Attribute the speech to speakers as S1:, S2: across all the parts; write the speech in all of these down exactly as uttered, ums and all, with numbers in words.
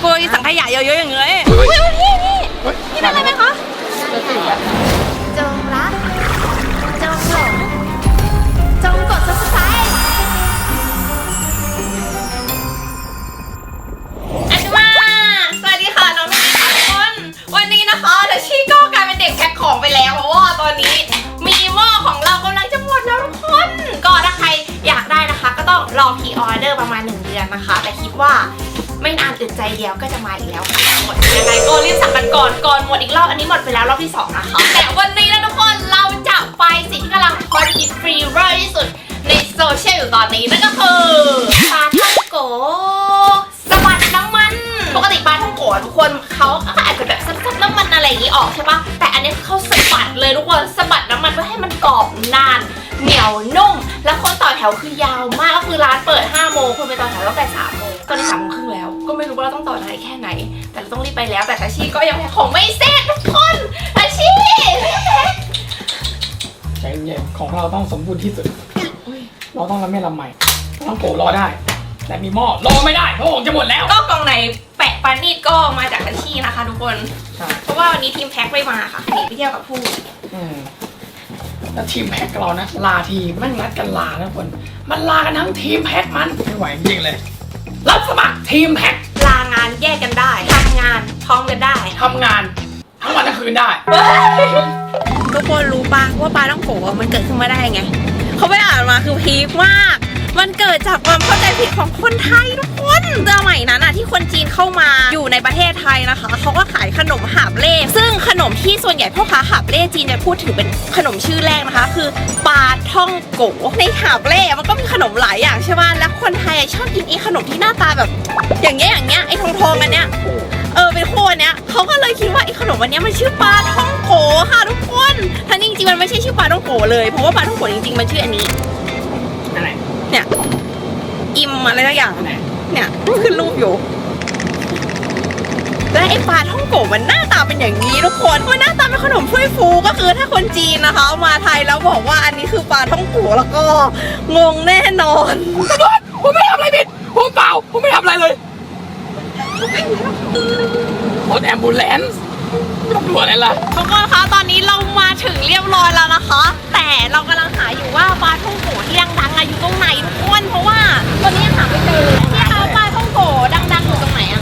S1: กลัวสังขยาเยอะๆอย่างเงี้ยอุ้ยพี่พี่พี่เป็นอะไรไหมคะจงรักจงหลงจงกด ซับสไครบ์ อันมาสวัสดีค่ะน้องๆทุกคนวันนี้นะคะเดชี่ก็กลายเป็นเด็กแพ็คของไปแล้วเพราะว่าตอนนี้มีหม้อของเรากำลังจะหมดแล้วทุกคนก็ถ้าใครอยากได้นะคะก็ต้องรอพรีออเดอร์ประมาณหนึ่งเดือนนะคะแต่คิดว่าไม่นานอึดใจเดียวก็จะมาอีกแล้วหมดยังไงก็รีบสั่งกันก่อนก่อนหมดอีกรอบอันนี้หมดไปแล้วรอบที่สองนะคะแต่วันนี้นะทุกคนเราจะไปสิ่งที่กำลังฮอตฮิตฟรีเวอร์ที่สุดในโซเชียลอยู่ตอนนี้นั่นก็คือปลาท่องโกสบัดน้ำมันปกติปลาท่องโกทุกคนเขาอาจจะแบบซับๆน้ำมันอะไรอย่างนี้ออกใช่ปะแต่อันนี้เขาสบัดเลยทุกคนสบัดน้ำมันเพื่อให้มันกรอบนานเหนียวนุ่มแล้วคนต่อแถวคือยาวมากก็คือร้านเปิดห้าโมงคนไปต่อแถวตั้งแต่สามโมงตอนนี้สามโมงครึ่งแล้วก็ไม่รู้ว่าเราต้องต่อนานแค่ไหนแต่เราต้องรีบไปแล้วแต่ทัชชี่ก็ยังแพ็คของไม่เสร็จทุกคนทัชชี่
S2: ใจเย็นของเราต้องสมบูรณ์ที่สุดเราต้องละเมียดละไมต้องโกรอได้แต่มีหม้อรอไม่ได้เพราะของจะหมดแล้ว
S1: ก็กล่องไหนแปะปานีดก็มาจากทัชชี่นะคะทุกคนเพราะว่าวันนี้ทีมแพ็คไม่มาค่ะหนีไปเที่ยวกับผู้
S2: แล้วทีมแพ็คเรานะลาทีมันนัดกันลานะคนมันลากันทั้งทีมแพ็คมันไม่ไหวจริงเลยรับสมัครทีมแพ็ค
S1: ลางานแยกกันได้ทำงานพร้อมกันได้
S2: ทำงานทั้งวันทั้งคืนได้
S1: ทุกคนรู้ปะว่าปลาต้องโกะมันเกิดขึ้นมาได้ไงเขาไปอ่านมาคือพีคมากมันเกิดจากความเข้าใจผิดของคนไทยทุกคนสมัยนั้นอะที่คนจีนเข้ามาอยู่ในประเทศไทยนะคะเขาก็ขายขนมหาบเล่ซึ่งขนมที่ส่วนใหญ่พ่อค้าหาบเล่จีนจะพูดถึงเป็นขนมชื่อแรกนะคะคือปลาท่องโกในหาบเล่มันก็มีขนมหลายอย่างใช่ไหมแล้วคนไทยชอบกินไอ้ขนมที่หน้าตาแบบอย่างเงี้ยอย่างเงี้ยไอ้ทองทองอันเนี้ยเออเป็นคู่อันเนี้ยเขาก็เลยคิดว่าไอ้ขนมอันเนี้ยมันชื่อปลาท่องโกค่ะทุกคนทั้งจริงๆมันไม่ใช่ชื่อปลาท่องโกเลยเพราะว่าปลาท่องโกจริงๆมันชื่ออันนี้
S2: อะไร
S1: เนี่ยอิมอะไรสักอย่างเนี่ยขึ้นรูปอยู่และไอ้ปลาท่องโกมันหน้าตาเป็นอย่างนี้ทุกคนมันหน้าตาเป็นขนมถ้วยฟูก็คือถ้าคนจีนนะคะมาไทยแล้วบอกว่าอันนี้คือปลาท่องโกแล้วก็งงแน่นอน
S2: ผมไม่ทำอะไรผิดผมเปล่าผมไม่ทำอะไรเลยรถแอมบูเลนซ์ตำรวจอะไรล่ะ
S1: ทุกคนคะตอนนี้เรามาถึงเรียบร้อยแล้วนะคะแต่เรากำลังหาอยู่ว่าปลาท่องโกที่ดังๆอยู่ตรงไหนทุกคนเพราะว่าตอนนี้หาไม่เจอเลยที่เขาปลาท่องโกดังๆอยู่ตรงไหนอะ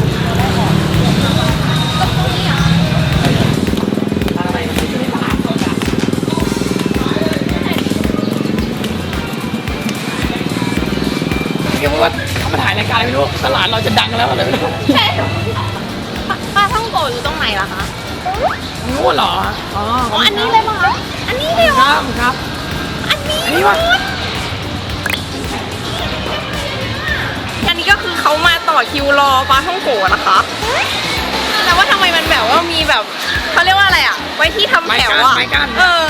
S1: ตรงนี้อ่ะ
S2: เดี๋ยวว่าเขามาถ่ายรายการอะไรไม่รู้ตลาดเราจะดังแล้วอะไรไม่รู้
S1: ใช่ปลาท่องโกอยู่ตรงไหนล่ะคะ
S2: งูเหรอ
S1: อ๋ออันนี้เลยมั้งคะอันนี้เลย
S2: วะครับ
S1: อันนี้
S2: อันนี้วะ
S1: อันนี้ก็คือเขามาต่อคิวรอปลาท่องโกนะคะแต่ว่าทำไมมันแบบว่ามีแบบเขาเรียกว่าอะไรอ่ะไว้ที่ทำแถวอ่ะเออ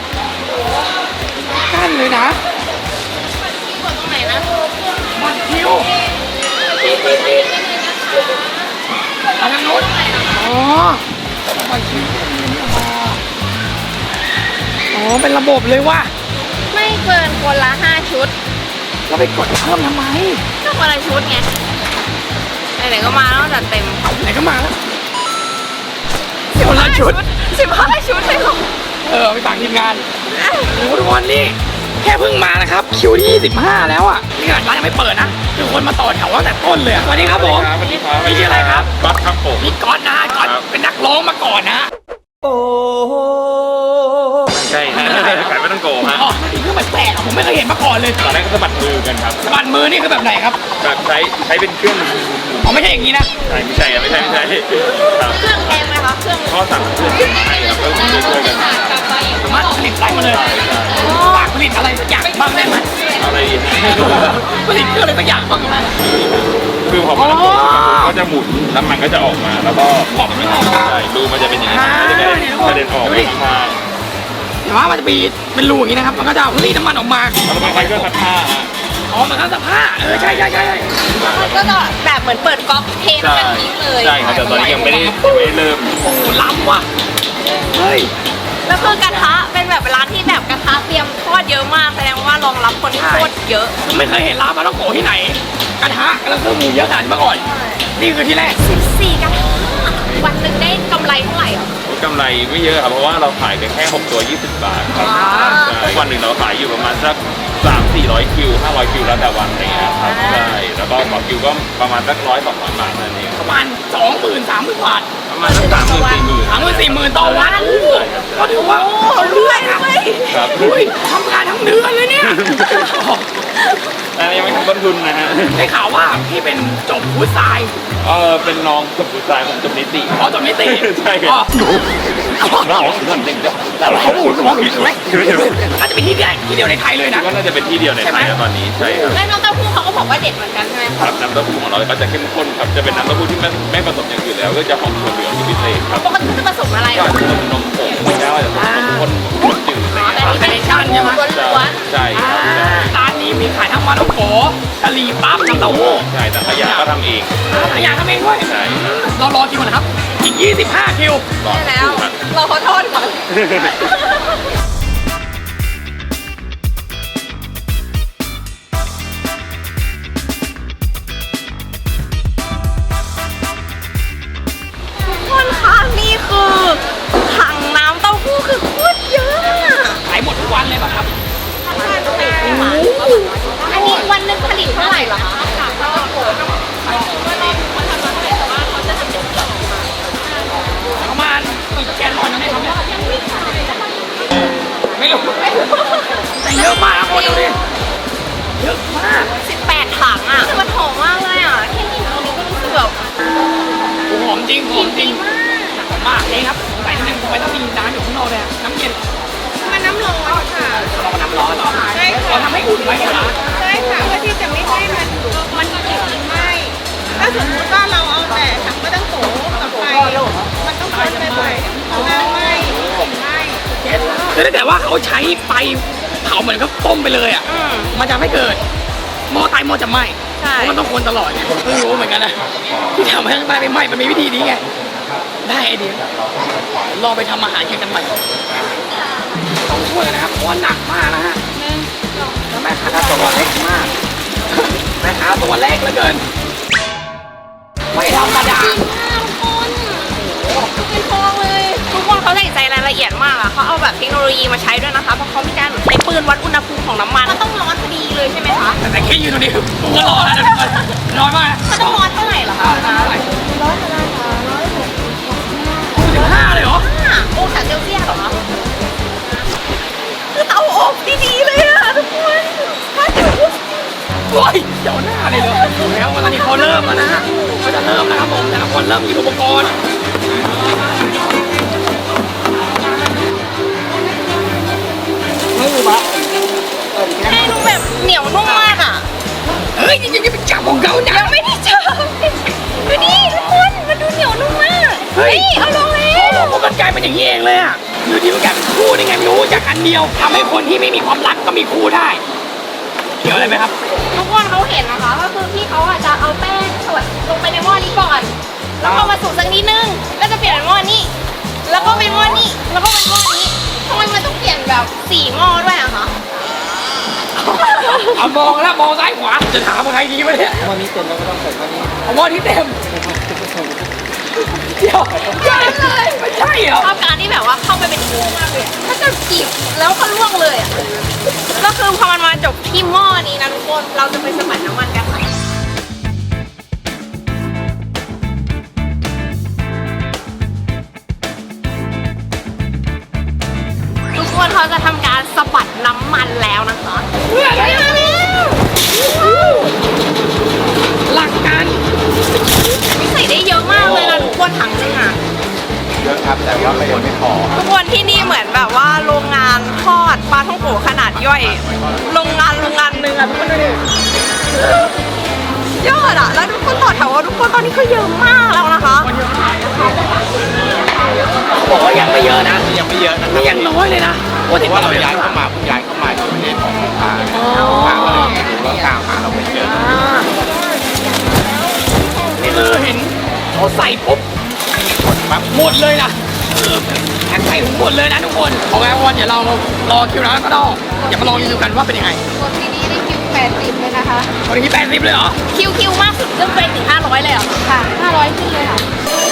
S2: กั้นเลยนะ
S1: บัตรคิวตรงไหนนะ
S2: บัตรคิวอันนั้นนู้นอ๋อบัตรคิวอ๋อเป็นระบบเลยว่ะ
S1: ไม่เกินคนละห้าชุด
S2: เราไปกดเพิ่มทำไม
S1: ก็คนละชุดไงไหนๆก็มาแล้วจัดเต็ม
S2: ไหนก็มาแล้วคนละชุด
S1: สิบห้าชุดเลยเหรอ
S2: เออไปฝากทีมงานโอ้ทุกคนนี่แค่เพิ่งมานะครับคิวที่ยี่สิบห้าแล้วอ่ะนี่ขนาดร้านยังไม่เปิดนะคือคนมาต่อแถวตั้งแต่ต้นเลยสวัสดีครับผม
S3: สวัสดีครับ
S2: พี่ชื่ออะไรครับ
S3: ก๊อตครับผม
S2: พี่ก๊อตนะก๊อตเป็นนักร้องมาก่อนนะโอ้
S3: ใช่ฮะขายไม่ต้องโกงฮะ
S2: อ๋อนี่คือมันแปลกผมไม่เคยเห็นมาก่อนเลย
S3: ตอนแรกก็สะบัดมือกันครับ
S2: สะบัดมือนี่คือแบบไหนครับ
S3: แบบใช้ใช้เป็นเครื่อง
S2: อ๋อไม่ใช่อย่างนี้นะ
S3: ใช่ไม่ใช่ไม่ใช่ไม่ใช่
S1: เครื่องแพงไหมคะเครื่อง
S3: ข้อสั่งเครื่องมาให้ครับแล้วช่วยกัน
S2: สามารถผลิตได้มาเลยฝากผลิตอะไรสักอย่างบ้างได้ไหม
S3: อะไร
S2: ผลิตเครื่องอะไรสักอย่างบ้างไหม
S3: คือพอมันก็จะหมุนน้ำมันก็จะออกมาแล้วก็
S2: ออกไม่ออก
S3: ใช่รูมันจะเป็นอย่างนี้มันจะได้กระเด็นออกมา
S2: แต่ว่ามันจะมีเป็นรูอย่างนี้นะครับมันก็จะรีดน้ำมันออกมา
S3: แล้วมันก็ซักผ้า
S2: อ๋อมันก็ซักผ้าเออใช่ใช่ใช่
S1: มันก็จะแบบเหมือนเปิดก๊อกเทน้ำมันทิ้งเลย
S3: ใช่ครับแต่ตอนนี้ยังไม่ได้ยังไม่ได้เริ่ม
S2: โอ้ล้ำว่ะเฮ้ย
S1: แล้วคือกระทะเป็นแบบร้านที่แบบกระทะเตรียมทอดเยอะมากแสดงว่ารองรับคนที่โคตรเยอะ
S2: ไม่เคยเห็นร้านปลาท่องโกที่ไหนกระทะแล้วก็หมูเยอะขนาดนี้มาก่อนนี่คือที่แรก
S1: สิบสี่กระทะวันหนึ่งได้กำไรเท่าไหร่อ่ะ
S3: กำไรไม่เยอะครับเพราะว่าเราขายกันแค่หกตัวยี่สิบบาทครับ
S1: อ่า
S3: ใช่วันหนึ่งเราขายอยู่ประมาณสักสามสี่ร้อยคิวห้าร้อยคิวแล้วแต่วันอะไรเงี้ยครับใช่แล้วก็ต่อคิวก็ประมาณสักร้อยสองร้อยบาทนั่นเอง
S2: ประมาณสองหมื่นสามหมื่นบาท
S3: ประมาณสักสามหมื่นสี่หมื่น
S2: สามหมื่นสี่หมื่นต่อวันโอ้โหก็ถือว่า
S1: โอ้รวยรวย
S3: ครับ
S2: อุ้ยทำงานทั้งเดือนเลยเนี่ย
S3: อันนี้ยังไม่ทำต้นทุนนะฮะ
S2: ได้ข่าวว่าพี่เป็นจบฟู้ดไซน์
S3: เออเป็นน้องจบผู้ชายผมจบนิติ
S2: อ๋อจบนิติ
S3: ใช่ค
S2: อ๋
S3: รั
S2: อบ
S3: เราเรื่องเด็กเดียว
S2: แล้วเขาพูดว่าผิดไหมน่าจะเป็นที่เดียวที่เดียวในไทยเลยนะ
S3: ก็น่าจะเป็นที่เดียวในไทยนะตอนนี้ใช่ครับ
S1: แล้วน้องเต้าหู้เขาก็บอกว่าเด็ดเหมือนกันใช่ไหม
S3: ครับน้ำเต้าหู้ของเราก็จะเข้มข้นครับจะเป็นน้ำเต้าหู้ที่ไม่ไม่ผสมอย่างอื่นแล้วก็จะหอมถั่วเหลืองที่พิเศษครับ
S1: ปกติจะผสมอะไร
S3: ก็
S1: อ่ะ
S3: อาจจะเป็นนมผงไม่ได้ว่าจะเป็นนมข้นข้นจืดอะไร
S1: อ๋อแต่
S3: เงี้ย
S1: นี่
S3: ครับ
S1: เป็นชาบูล้วน
S3: ใช่ครับใช่
S2: ร้านนี้มีขายทั้งปลาท่องโกกะหรี่ปั๊บน้ำเต้าหู้
S3: ใช่แต่ขยะก็ทำเอง
S2: หลายอย่างทำเองด้วย
S3: ใช่ครับ
S2: เรารอคิวนะครับ อีกยี่สิบห้าคิว
S3: รอ
S1: ๆได้
S3: สัก
S1: แล้ว
S3: ครู่ครับ
S1: เราขอโทษก่อน ทุกคนคะนี่คือถังน้ำเต้าหู้คือโคตรเยอะอะ
S2: ขายหมดทุกวันเลยป่ะครับ
S1: อันนี้วันหนึงผลิตเท่าไหร่เหรอคะ
S2: ประมาณกี่แกนลอนยังได้ทำเนี่ยไม่รู้แต่เยอะมากนะคนดูดิเยอะมาก
S1: สิบแปดถังอ่ะมันหอมมากเลยอ่ะแค่กินตรงนี้ก็รู้สึกแบบ
S2: โอ้โหหอมจริงหอมจริ
S1: ดี
S2: ง
S1: มาก
S2: หอมมากเลยครับใส่นิดนึงทำไมต้องมีน้ำอยู่ข้างนอกเลยอะน้ำเย็น
S4: มันน้ำร้อนค่ะ
S2: เราก็น้ำร้อนเหรอ
S4: ใช่ค่ะ
S2: เราทำให้อุ่นไว้เหรอ
S4: ใช่ค่ะเพื่อที่จะไม่ให้มันมันกลิ่นไหม้ถ้าสมมติว่าเราเอาแต่ถังก็ต้องโถกับไฟมันต้องคนไปบ่อยๆน้ำไหม้กลิ่นไหม้
S2: คือถ้าเกิดว่าเขาใช้ไฟเผาเหมือนกับต้มไปเลยอ่ะ
S1: อืม
S2: มันจะไม่เกิดหม้อไตหม้อจะไหม้
S1: ใช่
S2: เพราะมันต้องคนตลอดไงเพิ่งรู้เหมือนกันนะที่ทำให้ข้างใต้ไม่ไหม้มันมีวิธีนี้ไงได้ไอเดียลองไปทำอาหารกินกันใหม่ต้องช่วยนะครับเพราะว่าหนักมากนะฮะแล้วแม่ค้าตัวเล็กมากแม่ค้าตัวเล็กเหลือเกินไม่ธรรมดา
S1: เป็นฟองเลยทุกคนเขาใส่ใจรายละเอียดมากอะเขาเอาแบบเทคโนโลยีมาใช้ด้วยนะคะเพราะเขามีการใช้ปืนวัดอุณหภูมิของน้ำมันมันต้องร้อนพอดีเลยใช่ไหมคะ
S2: แต่แค่ยืนตรงนี้คือผมก็ร้อนแล้วนะร้อนมาก
S1: มันต้องร้อนเท่าไหร่เหรอคะ
S2: เท่าไหร่สิบห้าเลยเหรอ
S1: ห้าองศาเซลเซียสเหรอคะคือเตาอบดีๆเลยอะทุกคนถ้าเดี๋ยว
S2: โอ้ยเดี๋ยวหน้าเลยเหรอแล้วตอนนี้เขาเริ่มแล้วนะฮะเขาจะเริ่มนะครับผมแต่ละคนเริ่มหยิบอุปกรณ์
S1: ให้ดูแบบเหนียวนุ่มมากอะ
S2: เฮ้ยจริงๆจะเป็นจับของเขานะ
S1: ยังไม่ได้เจอดูดิทุกคนมันดูเหนียวนุ่มมากเฮ้ยเอาลงแล้
S2: โอ้
S1: ว
S2: โหมันกลายเป็นอย่างนี้เองเลยอ่ะอยู่ดีมันกลายเป็นคู่ได้ไงไม่รู้จากอันเดียวทำให้คนที่ไม่มีความรักก็มีคู่ได้เกี่ยวอะไรไหมครับ
S1: ทุกคนเขาเห็นนะคะก็คือพี่เขาอาจจะเอาแป้งสดลงไปในหม้อนี้ก่อน แล้วพอมาสุกสักนิดนึงก็จะเปลี่ยนเป็นหม้อนี้ แล้วก็เป็นหม้อนี้แล้วก็เป็นหม้อนี้ทำไมมันต้องเปลี่ยนแบบสี่หม้อด้วยอะคะ
S2: เอามองแล้วมองซ้ายขวาจะถามใครดีวะเนี่ยวันนี้เต็มแล้วก็ต้องใส่วันนี้เอาวันที่เต็มเดี๋ยวใช่เลยไม่ใช่เหรอ
S1: ชอบการที่แบบว่าเข้าไปเป็นคู่มากเลยถ้าจะจีบแล้วก็ล่วงเลยอะก็คือพอมันมาจบที่หม้อนี้นะทุกคนเราจะไปสมัครน้ำมันกันค่ะทุกคนเขาจะทำการสะบัดน้ำมันแล้วนะคะ
S2: เพื่ออะไร
S1: มาแล้ว
S2: หลักการ
S1: ใส่ได้เยอะมากเลยนะทุกคนถังนึงอ่ะ
S5: เยอะครับแต่ว่าไม่ไม่พอ
S1: ทุกคนที่นี่เหมือนแบบว่าโรงงานทอดปลาท่องโกขนาดย่อย โรงงานโรงงานหนึ่งอ่ะทุกคนดูดิยอดอ่ะแล้วทุกคนต่อแถวว่าทุกคนตอนนี้ก็เยอะมากแล้วนะคะ
S2: บอกว่ายังไม่เยอะนะ
S5: ยังไม่เยอะนะครั
S2: นี่
S5: บ
S2: ยังน้อยเลยนะโอ้
S5: เพ
S2: ติด
S5: ราะ
S2: ต่
S5: ว่า
S2: อ
S5: เรา
S2: ไป
S5: ย้ายเข้ามาเพิ่งย้ายเข้ามาที่ประเทศของลูกค้าลูกค้าก็เลยดูว่ากล้ามาเราไม่เจอ
S2: นี่คือเห็นเขาใส่ปุ๊บ
S5: ปั๊บ
S2: หมดเลยนะเออแพ็คใส่หมดเลยนะทุกคนโอเควันเดี๋ยวเรารอคิวแล้วก็ต้องอย่ามาลองรีวิวกันว่าเป็นยังไง
S4: คนที่นี่ได้คิวแปดดสิบเลยนะคะ
S2: ตอนนี้แปดสิบเลยเหรอ
S1: คิวคิวมากสุดเรื่องไปถึงห้าร้อยเลยเหรอ
S4: ค่ะห้าร้อยขึ้นเลยค่ะ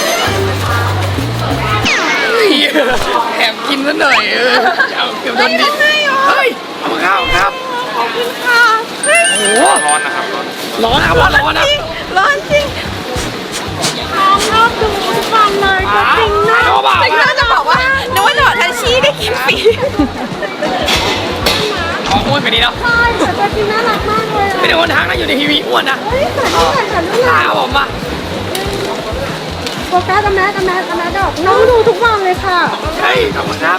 S2: แอบกินซะหน่อยเออเอาเกือบโดนดิเฮ้ยเอามาข้าวครับ
S4: ขอบคุณค่ะเฮ้ย
S2: โอ้โห
S3: ร้อนนะครับร้อน
S2: ร้อนนะครับร้อนนะ
S4: จริงร้อนจริงน้องรอบดูทุกวันเลยก็จริงนะ
S2: ชอบเปล่า
S1: แต่ก็จะบอกว่านึกว่าจะบอกทันชีได้กินฟรี
S2: ของอ้วนไปดีเนาะ
S4: ใช่แต่ตัวจริงน่ารักมากเลย
S2: ไม่ได้คนทางนะอยู่ในทีวีอ้วนนะ
S4: เฮ้ยแต่นี่เหมือนกันนี่
S2: ตาผมอ่ะ
S4: โฟกัสกับแม่กับแม่กับแม่ดอกน้องดูทุกวันเลยค่ะ
S2: เฮ้ยขอบคุณครับ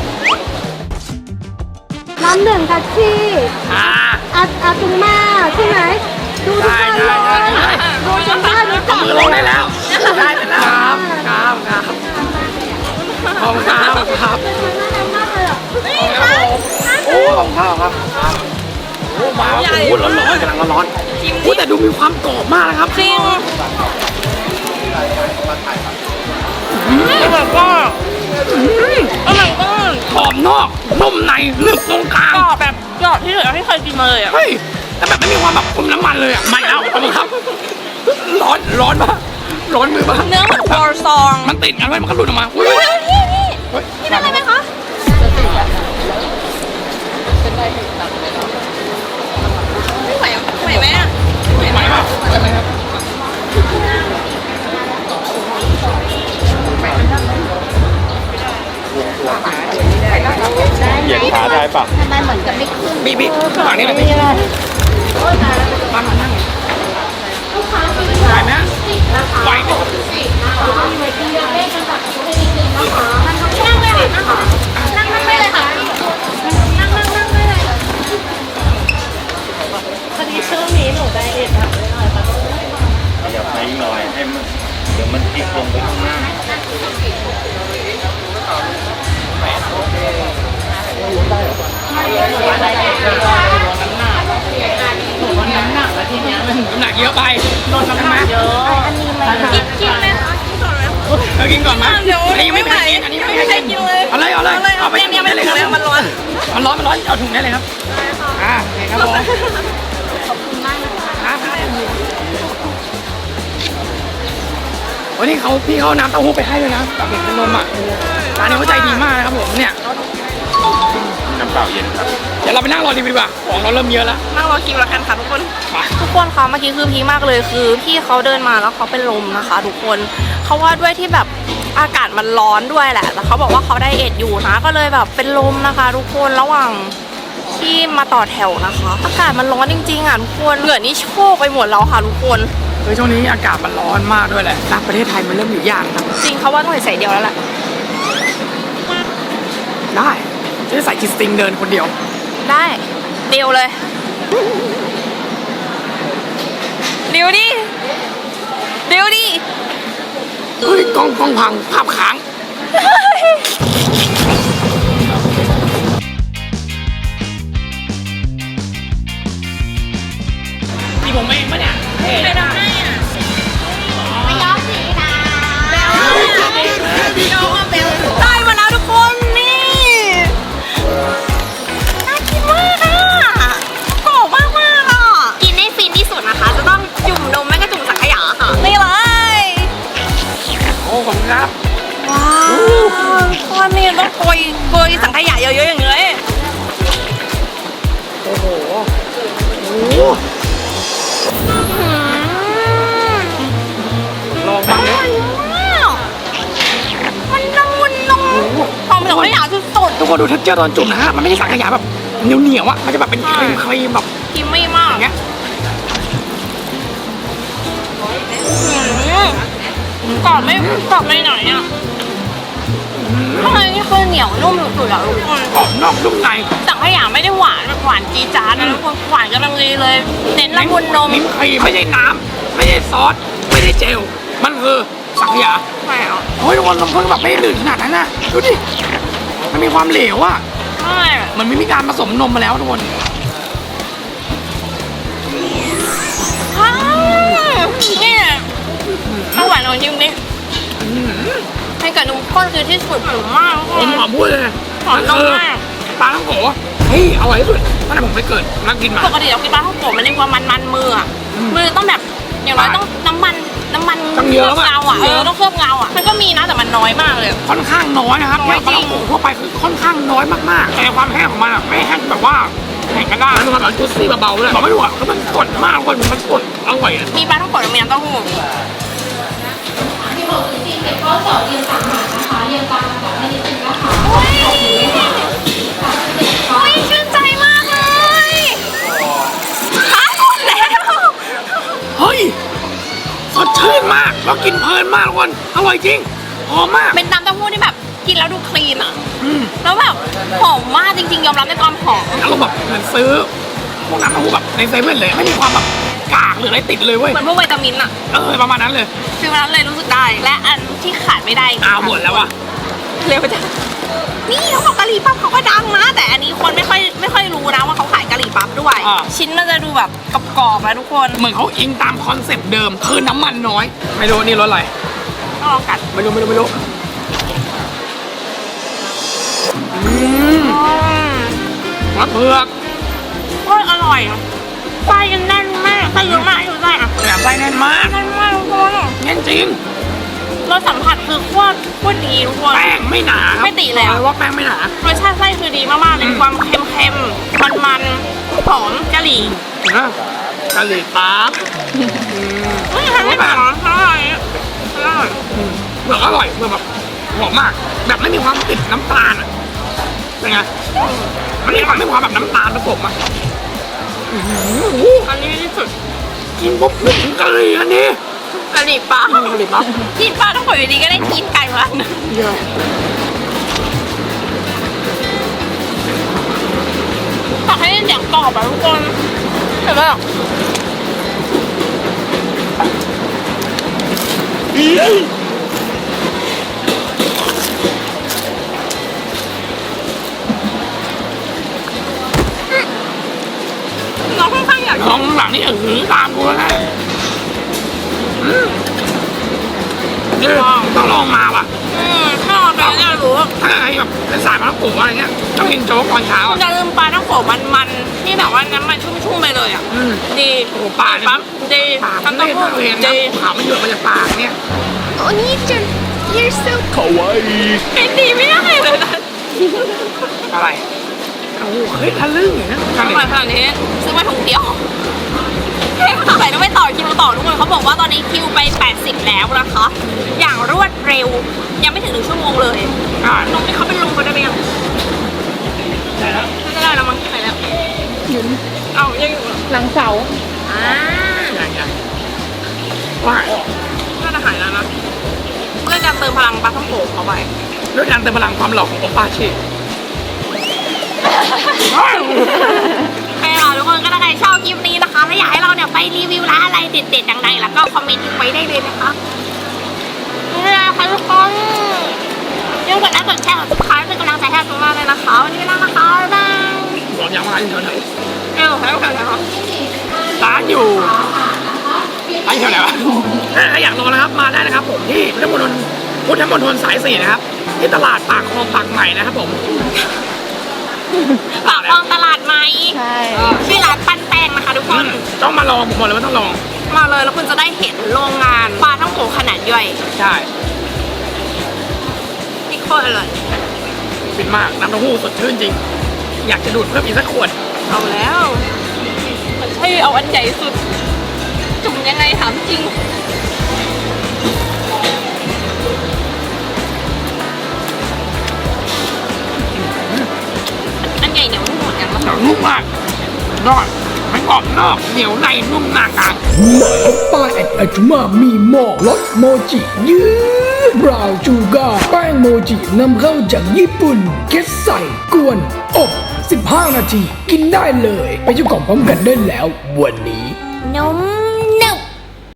S4: น้ำหนึ่งทัชชี่
S2: อ่า
S4: อาอาตุงมาใช่ไหมดูทุกวันเลย
S2: ใช่ใช่ใช่
S4: ดูจนได้รู้จัก
S2: มือลงได้แล้วได้แล้วครับครับครับขอบคุณครับครับ
S4: น่ารักมากเลยอ่ะ
S2: โอ้ขอบคุณครับครับโอ้มาโอ้โหร้อนร้อนกำลังร้อนโอ้แต่ดูมีความกรอบมากนะครับ
S1: จริง
S2: อร่อยก็อร่อยก็กรอบนอกนุ่มในลึกตรงกลาง
S1: กรอบแบบกรอบที่สุดที่เคยกินมาเลยอ่ะ
S2: เฮ้ยแต่แบบไม่มีความแบบอมน้ำมันเลยอ่ะไม่แล้วขอบคุณครับ ร้อนร้อนปะร้อนมือปะ
S1: เนื้อเหมือนวอลซอง
S2: มันติดกันไว้มันก็หลุดออกมาอุ้ย
S1: เฮ้ยพี่พี่
S2: เฮ้ย
S1: พี่ได้ไหมคะไม่ไหวอ่ะไหวไหมอ่ะ
S2: ไหวปะไหวไหมครับ
S3: เหยียดขาได้ปะ
S4: ทำไมเหมือนจะไม่ขึ้น
S2: บีบีฝั่งนี้เลยบีบ้านมานั่งไหวไหมไหวไหม
S1: นั่งเลยค่ะนั่งนั่งไม่เลยค่ะนั่งนั่งนั่งไม่เลยพอดีช่วงนี้หนูไดเอทค่ะ
S3: อย่าไปหน่อยให้มันเดี๋ยวมันติดลงไปข้างหน้า
S2: น้ำหนักแล้วทีเนี้ยมันน้ำหนักเยอะไปลดน้ำหนักเยอะ
S1: กินกินเลยค่ะกินก่อนเลย
S2: เออกินก่อนมั้ย
S1: เดี๋ยว
S2: อันนี้ยังไม่
S1: ไม่ไหว
S2: ได้กินอันนี้ยังไม่
S1: ไม่
S2: ได้
S1: ได้
S2: กิน
S1: กินเลย
S2: เอาเลยเอาเลยเอาไป
S1: เนี่ยเนี่ย
S2: ได้เลย
S1: ไม่ถึงแล้วมันร้อน
S2: มันร้อนมันร้อนเอาถุงได้เลยครับอ่าโอเคครับผมขอบคุณมากนะครับวันนี้เขาพี่เขาน้ำเต้าหู้ไปให้ด้วยนะแบบเห็นเป็นนมอ่ะร้านนี้เขาใจดีมากนะครับผมเนี่ย
S3: น้ำเปล่าเย็นครับ
S2: เดี๋ยวเราไปนั่งรอดีกว่าของเราเริ่มเยอะแล้ว
S1: นั่งรอคิวแล้วกันค่ะทุกคน
S2: ไป
S1: ทุกคนคะเมื่อกี้คือพีคมากเลยคือพี่เขาเดินมาแล้วเขาเป็นลมนะคะ ทุกคนเขาว่าด้วยที่แบบอากาศมันร้อนด้วยแหละแต่เขาบอกว่าเขาไดเอทอยู่นะก็เลยแบบเป็นลมนะคะ ทุกคนระหว่างที่มาต่อแถวนะคะ อากาศมันร้อนจริงๆอ่ะทุกคนเหงื่อนี่โชกไปหมดแล้วค่ะทุกคน
S2: เฮ้ยช่วงนี้อากาศมันร้อนมากด้วยแหละนะประเทศไทยมันเริ่มอยู่ยากนะ
S1: จริงเขาว่าต้องใส่เดียวแล้วแหละ
S2: ได้จะได้ใส่จิสติงเดินคนเดียว
S1: ได้เดียวเลยเดียวดิเดียวดิ
S2: เฮ้ยกล้องกล้องพังภาพค้างนี่ผมเองปะเนี่ยเท่
S1: ใคร
S2: นะ
S1: ทำให้อ่ะ
S4: ไม่ย้อมสีนะ
S1: ได้มาแล้วทุกคนนี่น่ากินมากอ่ะกรอบมากมากอ่ะกินให้ฟินที่สุดนะคะ จะต้องจุ่มนมไม่ก็จุ่มสังขยาค่ะนี่เลย
S2: โอ้ขอบคุณครับ
S1: ว้าวคนนี้ต้องโกยโกยสังขยาเยอะๆอย่างเงี้ย
S2: โอ้โหโอ้โหลองบ้างเนี่ย
S1: มันนุ่มมันนุ่มหอมสังขยาสุด
S2: ทุกคนดูเท็กเจอร์ตอนจุ่มนะฮะมันไม่ใช่สังขยาแบบเหนียวเหนียวๆอะมันจะแบบเป็นครีมครีมแบบ
S1: ๆกินไม่มาก
S2: อย่างเงี้ย
S1: กรอบไม่กรอบไม่หน่อยอ่ะข้างในนี่คือเหนียวนุ่มสุดๆอ่ะทุกคน
S2: กรอบนอกนุ่มใน
S1: สังขยาไม่ได้หวานแบบหวานจี๊ดจ๊าดนะทุกคนหวานกำลังดีเลยเน้นละมุนนม
S2: มิ้มครีมไม่ใช่น้ำไม่ใช่ซอสไม่ใช่เจลมันคือสังขยา
S1: ใช่เหรอ
S2: โอ้ยทุกคนลำพังแบบไม่ได้ลื่นขนาดนั้นนะดูดิมันมีความเหลวอะ
S1: ใช่
S2: มันไม่มีการผสมนมมาแล้วทุกคน
S1: อ้าวนี่ข้าวหวานของจริงนี่ให้กับนมข้นคือที่สุดหอมมากทุก
S2: ผ
S1: ค
S2: ม
S1: น
S2: ขอพูดเลย
S1: หอมนมมาก
S2: ปลาทั้งโขเทที่อร่อยที่สุดตั้งแต่ผมไปเกิดนักกินมา
S1: ปกติเรากินปลาท่องโกะมันเรียกว่ามันมันมืออ่ะมือต้องแบบอย่างน้อยต้องน้ำมันน้ำมัน
S2: ต้องเยอะ
S1: เงาอ่ะเออต้องเคลือบเงาอ่ะมันก็มีนะแต่มันน้อยมากเลย
S2: ค่อนข้างน้อยนะครับ
S1: น้อยจริง
S2: ปลาท่องโกะทั่วไปคือค่อนข้างน้อยมากๆแต่ความแห้งของมันอ่ะไม่แห้งแบบว่าแห้งกันได้มันแบบจุดซี่เบาๆเลยบอกไม่ถูกอ่ะคือมันสดมากคนมันสดอร่อยอ่ะ
S1: มีปลาท่องโกะมีน้ำเต้าหู้โอ้ยโอ้ยชื่นใจมากเลยหายหมดแล้ว
S2: เฮ้ยสดชื่นมากแล้วกินเพลินมากทุกคนอร่อยจริงหอมมาก
S1: เป็นน้ำเต้าหู้ที่แบบกินแล้วดูคลีนอ่ะ
S2: อืม
S1: แล้วแบบหอมมากจริงๆยอมรับในความหอม
S2: แล้วก็แบบเหมือนซื้อพวกน้ำเต้าหู้แบบในเซเว่นเลยไม่มีความแบบกากหรืออะไรติดเลยเว้ย
S1: เหมือนพวกวิตามินอ่ะ
S2: เออประมาณนั้นเลย
S1: คือวันนั้นเลยรู้สึกได้ และอันที่ขาดไม่ได้
S2: อ้าวหมดแล้วอ่ะ
S1: เร็วจังนี่เขาบอกกะหรี่ปั๊บเขาก็ดังนะ แต่อันนี้คนไม่ค่อยไม่ค่อยรู้นะว่าเขาขายกะหรี่ปั๊บด้วย ชิ้นมันจะดูแบบกรอบๆนะทุกคน
S2: เหมือนเขาอิงตามคอนเซ็ปต์เดิมคือน้ำมันน้อย ไม่รู้นี่รสอะไร
S1: ต้องลองกัด
S2: ไม่รู้ไม่รู้ไม่รู้อืม
S1: อืม
S2: มะเผือก
S1: โอ้ยอร่อยไส้ยังแน่นมากไส้เยอะมากอยู่ไส้อะ
S2: แหนมไส้แน่นมาก
S1: แน่นมากทุกคน
S2: แน่นจริง
S1: รสสัมผัสคือโคตรโคตรดีทุกคน
S2: แป้งไม่หนาครับ
S1: ไม่ติเลยอะ
S2: บอกว่าแป้งไม่หนาร
S1: สชาติไส้คือดีมากๆเลยความเค็มๆมันๆหอมกะหรี่
S2: นะกะหรี่ปั๊บ
S1: ไม่ใช่ไม่หอมอร่อยอร่อย
S2: เผือกอร่อยเผือกแบบหอมมาก แบบไม่มีความติดน้ำตาลอ่ะเป็นไงมันมีความไม่มีความแบบน้ำตาลผสมอ่ะอื้อหือ
S1: อันนี้ที่สุด
S2: กินปุ๊บนึกถึงกะหรี่อันนี้
S1: กะหรี่ปั๊บ
S2: กะหรี่ปั๊บ
S1: กินปลาต้องปล่อยอยู่ดีก็ได้กินไก่มานะ
S2: เยอะ
S1: อยากให้ได้เสียงกรอบอะทุกคนเห็นไหมน้องค่อนข้างอยาก
S2: น้องหลังนี่เออตามกูแล้วนะอืมนี่ต้องลองมาว่ะ
S1: อืมถ้าเราไปแล้วจะรู้ว่า
S2: ถ้าใครแบบเป็นสายมะละกออะไรเงี้ยต้องกินโจ๊กตอนเช้า
S1: คุณจะลืมปลาต้องโขมันๆที่แบบว่าน้ำมันชุ่มๆไปเลยอ่ะ
S2: อืม
S1: ดี
S2: โอ้ปลาเนี่ย
S1: ปั๊บดี
S2: ปาก
S1: ทั้
S2: มั
S1: ง
S2: น
S1: เต้า
S2: เล่น
S1: หู้
S2: เห็นนะ
S1: ดี
S2: ขาวมันหยดมาจากปากเนี่ย
S1: โอ้นี่จัน you're so
S3: เขาไว้
S1: เป็นดีไม่ได้เลยนะ
S2: อะไรโอ้โหเฮ้ยทะลึ่งอยู่นะ
S1: ทำไมขนาดนี้ซื้อมาถุงเดียวเฮ้ยทำไมต้องไปต่อคิวต่อทุกคนเขาบอกว่าตอนนี้คิวไปแปดสิบแล้วนะคะ อย่างรวดเร็ว ยังไม่ถึงหนึ่งชั่วโมงเลย
S2: อ่า
S1: ลงที่เขาเป็นลงไปได้ไหมยัง
S2: ได้แล้ว
S1: ไม่ได้แล้วมั้งไปแล้วเอ้ายังอยู่เหรอ
S4: หลังเสา
S1: อ่า
S2: ยังยังว่า
S1: น่าจะหายแล้วนะเรื่องการเติมพลังปลาท่องโกะเข้าไป
S2: ด้วยการเติมพลังความหล่อของโอปาชิ
S1: โอเคค่ะทุกคนก็ถ้าใครชอบคลิปนี้นะคะและอยากให้เราเนี่ยไปรีวิวร้านอะไรเด็ดๆดังๆแล้วก็คอมเมนต์ทิ้งไว้ได้เลยนะคะนี่แหละค่ะทุกคนอย่าลืมกดไลค์กดแชร์กดซับสไครป์เป็นกำลังใจให้เราเลยนะคะวันนี้ไปแล้วนะคะบ๊ายบาย
S2: บอกยังว่าอยู่แถวไหน
S1: เอ้าแล้วกันนะคะ
S2: ร้านอยู่ร้านอยู่แถวไหนวะถ้าอยากลองนะครับมาได้นะครับผมที่พุทธมณฑลพุทธมณฑลสายสี่นะครับที่ตลาดปากคลองปากใหม่นะครับผม
S1: ปากคลองตลาดไหม
S4: ใช่
S1: ชื่อร้านปั้นแป้งนะคะทุกค
S2: อื
S1: น
S2: มต้องมาลองผมบอกเลยว่าต้องลอง
S1: มาเลยแล้วคุณจะได้เห็นโรงงานปลาท่องโกะขนาดย่อย
S2: ใช่
S1: ที่โคตรอร่อย
S2: ฟินมากน้ำเต้าหู้สดชื่นจริง อยากจะดูดเพิ่มอีกสักขวด
S1: เอาแล้วมันใช่เอาอันใหญ่สุด จุ่มยังไงถามจริง อันใหญ่เหนียวนุ่มเหมือนกันปะ
S2: หนังนุ่มมากยอดไม่กรอบนอกเหนียวในนุ่มหนากลาง
S6: ใหม่ป้ายแอดอาจุมามีหม้อรสโมจิยืดบราวน์ชูการ์แป้งโมจินำเข้าจากญี่ปุ่นเก็ตใส่กวน อบ สิบห้า นาที กินได้เลย ไปเจ้าของพร้อมกันได้แล้ววันนี้
S1: นม